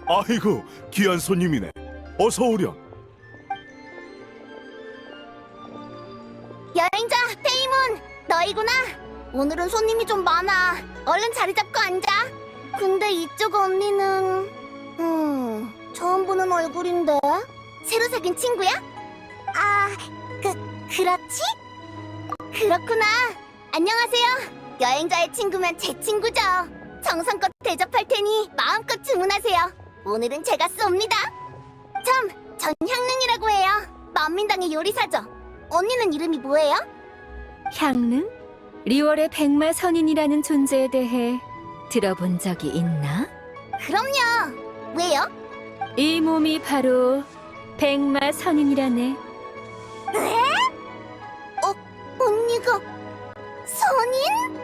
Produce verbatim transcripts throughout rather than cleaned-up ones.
아이고, 귀한 손님이네. 어서 오렴. 여행자 페이몬, 너희구나. 오늘은 손님이 좀 많아. 얼른 자리 잡고 앉아. 근데 이쪽 언니는... 음... 처음 보는 얼굴인데? 새로 사귄 친구야? 아... 그... 그렇지? 그렇구나. 안녕하세요. 여행자의 친구면 제 친구죠. 정성껏 대접할 테니 마음껏 주문하세요. 오늘은 제가 쏩니다. 참, 전 향릉이라고 해요. 만민당의 요리사죠. 언니는 이름이 뭐예요? 향릉? 리월의 백마 선인이라는 존재에 대해 들어본 적이 있나? 그럼요. 왜요? 이 몸이 바로 백마 선인이라네. 언니가 선인?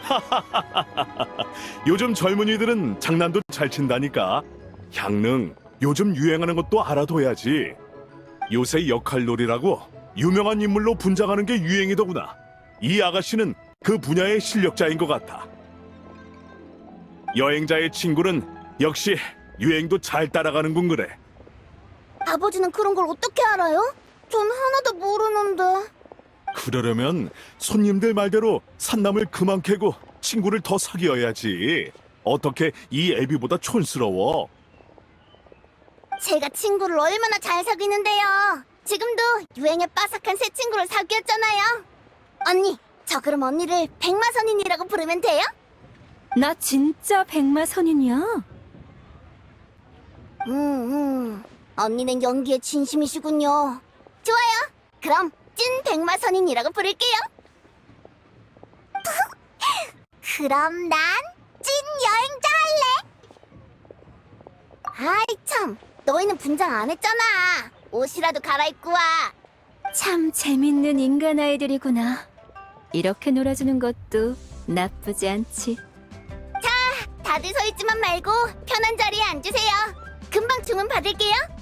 요즘 젊은이들은 장난도 잘 친다니까. 향릉, 요즘 유행하는 것도 알아둬야지. 요새 역할놀이라고 유명한 인물로 분장하는 게 유행이더구나. 이 아가씨는 그 분야의 실력자인 것 같아. 여행자의 친구는 역시 유행도 잘 따라가는군 그래. 아버지는 그런 걸 어떻게 알아요? 전 하나도 모르는데. 그러려면 손님들 말대로 산남을 그만 캐고 친구를 더 사귀어야지. 어떻게 이 애비보다 촌스러워? 제가 친구를 얼마나 잘 사귀는데요. 지금도 유행에 빠삭한 새 친구를 사귀었잖아요. 언니, 저 그럼 언니를 백마선인이라고 부르면 돼요? 나 진짜 백마 선인이야. 음, 음. 언니는 연기에 진심이시군요. 좋아요. 그럼 찐 백마선인이라고 부를게요. 그럼 난 찐 여행자 할래. 아이 참, 너희는 분장 안 했잖아. 옷이라도 갈아입고 와. 참 재밌는 인간 아이들이구나. 이렇게 놀아주는 것도 나쁘지 않지. 다들 서 있지만 말고 편한 자리에 앉으세요. 금방 주문 받을게요.